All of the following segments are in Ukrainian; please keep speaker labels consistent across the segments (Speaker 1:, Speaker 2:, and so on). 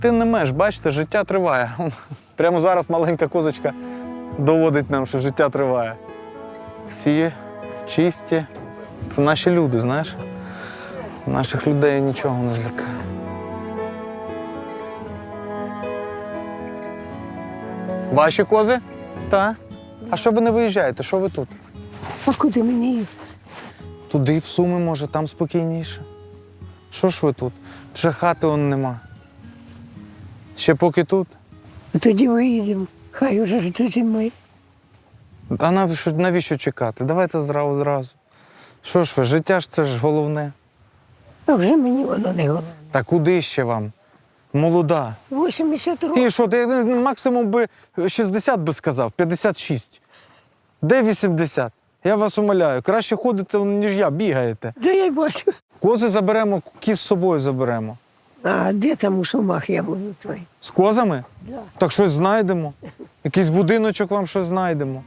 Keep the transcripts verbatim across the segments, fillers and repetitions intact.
Speaker 1: Ти не меж, бачите, життя триває. Прямо зараз маленька козочка доводить нам, що життя триває. Всі чисті. Це наші люди, знаєш? Наших людей нічого не злякає. Ваші кози? Так. А що ви не виїжджаєте? Що ви тут?
Speaker 2: А куди мені їхати?
Speaker 1: Туди, в Суми, може, там спокійніше. Що ж ви тут? Вже хати он нема. Ще поки тут.
Speaker 2: Тоді виїдемо. Хай уже ж до зими.
Speaker 1: А навіщо, навіщо чекати? Давайте зразу зразу. Що ж ви, життя ж це ж головне.
Speaker 2: А вже мені воно не головне.
Speaker 1: Та куди ще вам? Молода.
Speaker 2: вісімдесят років.
Speaker 1: І що, ти максимум би шістдесят би сказав, п'ятдесят шість. Де вісімдесят? Я вас умоляю, краще ходите, ніж я, бігаєте.
Speaker 2: Да я й бачу.
Speaker 1: Кози заберемо, кіз з собою заберемо.
Speaker 2: А де там у Сумах я буду твій?
Speaker 1: З козами?
Speaker 2: Да.
Speaker 1: Так щось знайдемо. Якийсь будиночок вам щось знайдемо.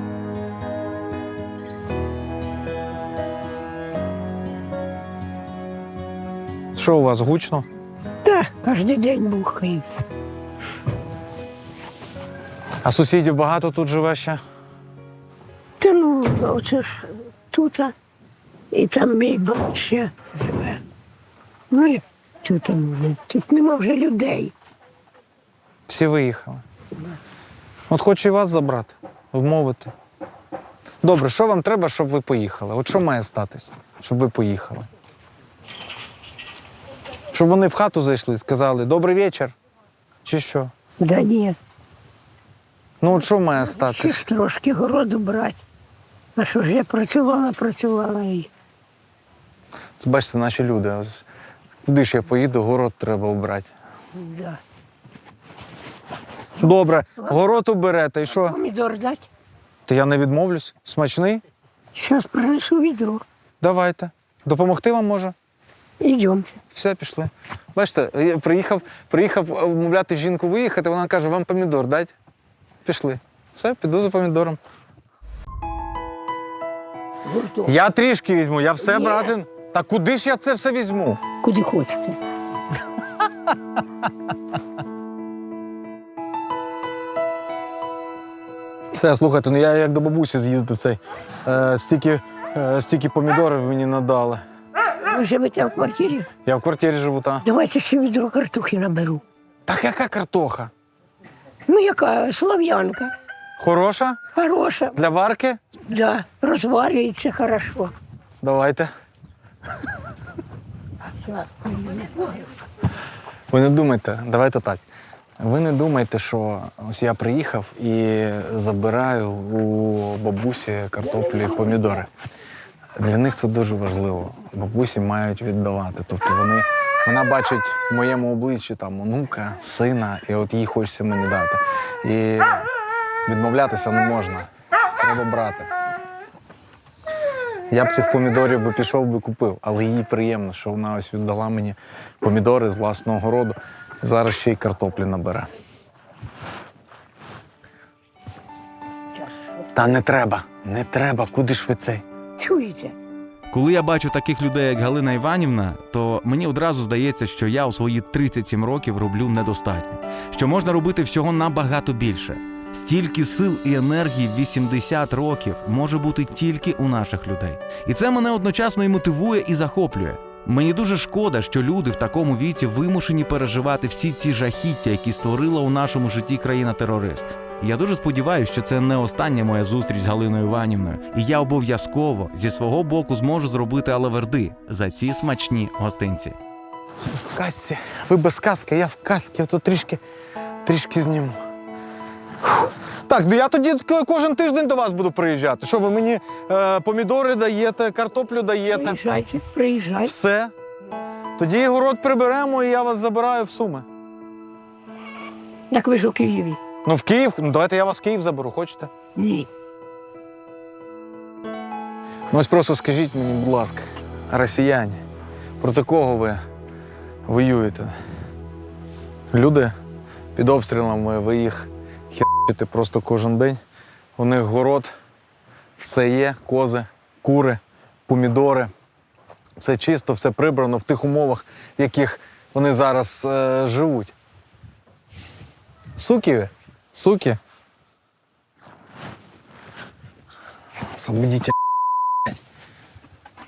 Speaker 1: Що у вас, гучно?
Speaker 2: Так, кожен день бухають.
Speaker 1: А сусідів багато тут живе ще?
Speaker 2: Та ну, оце ж тут, і там мій брат ще живе. Ну і тут, ну, тут нема вже людей.
Speaker 1: Всі виїхали. От хочу і вас забрати, вмовити. Добре, що вам треба, щоб ви поїхали? От що має статись, щоб ви поїхали? Щоб вони в хату зайшли і сказали «Добрий вечір» чи що?
Speaker 2: Да ні,
Speaker 1: Ну от що має
Speaker 2: ще
Speaker 1: статись?
Speaker 2: ж трошки городу брати. А що ж я працювала, працювала і
Speaker 1: Це, бачите, наші люди. Ось куди ж я поїду, город треба обрати.
Speaker 2: да.
Speaker 1: Добре, город оберете, і що?
Speaker 2: Помідор дать?
Speaker 1: Та я не відмовлюсь. Смачний?
Speaker 2: Зараз принесу відро.
Speaker 1: Давайте. Допомогти вам може?
Speaker 2: Ідемте.
Speaker 1: Все, пішли. Бачите, я приїхав, приїхав умовляти жінку виїхати, вона каже, вам помідор дать? Пішли. Все, піду за помідором.
Speaker 2: Гуртом.
Speaker 1: Я трішки візьму, я все
Speaker 2: Ні.
Speaker 1: брати. Та куди ж я це все візьму?
Speaker 2: Куди хочете.
Speaker 1: Все, слухайте, ну я як до бабусі з'їздив цей. Е, стільки, е, стільки помідорів мені надали.
Speaker 2: Ви живете в квартирі?
Speaker 1: Я в квартирі живу, та.
Speaker 2: Давайте ще відро картохи наберу.
Speaker 1: Так яка картоха?
Speaker 2: Ну, яка слав'янка.
Speaker 1: Хороша?
Speaker 2: Хороша.
Speaker 1: Для варки?
Speaker 2: Да, розварюється хорошо.
Speaker 1: Давайте.
Speaker 2: Щас.
Speaker 1: Ви не думайте, давайте так. Ви не думайте, що ось я приїхав і забираю у бабусі картоплі помідори. Для них це дуже важливо. Бабусі мають віддавати. Тобто вони, вона бачить в моєму обличчі там онука, сина, і от їй хочеться мені дати. І відмовлятися не можна. Треба брати. Я б цих помідорів би пішов би купив, але їй приємно, що вона ось віддала мені помідори з власного городу. Зараз ще й картоплі набере. Та не треба, не треба, куди ж ви цей?
Speaker 2: Чуєте?
Speaker 3: Коли я бачу таких людей, як Галина Іванівна, то мені одразу здається, що я у свої тридцять сім років роблю недостатньо, що можна робити всього набагато більше. Стільки сил і енергії в вісімдесят років може бути тільки у наших людей. І це мене одночасно і мотивує, і захоплює. Мені дуже шкода, що люди в такому віці вимушені переживати всі ці жахіття, які створила у нашому житті країна-терорист. І я дуже сподіваюся, що це не остання моя зустріч з Галиною Іванівною. І я обов'язково зі свого боку зможу зробити алаверди за ці смачні гостинці.
Speaker 1: В касці. Ви без каски, я в касці, я тут трішки, трішки зніму. Фух. Так, ну я тоді кожен тиждень до вас буду приїжджати. Що ви мені е, помідори даєте, картоплю даєте?
Speaker 2: Приїжджайте, приїжджайте.
Speaker 1: Все. Тоді город приберемо, і я вас забираю в Суми.
Speaker 2: Так ви ж у Києві?
Speaker 1: Ну, в Київ, ну давайте я вас в Київ заберу, хочете?
Speaker 2: Ні.
Speaker 1: Ну ось просто скажіть мені, будь ласка, росіяни, проти кого ви воюєте? Люди під обстрілами, ви їх херчите просто кожен день. У них город, все є, кози, кури, помідори. Все чисто, все прибрано в тих умовах, в яких вони зараз е, живуть. Суки ви? Суки? Освободите.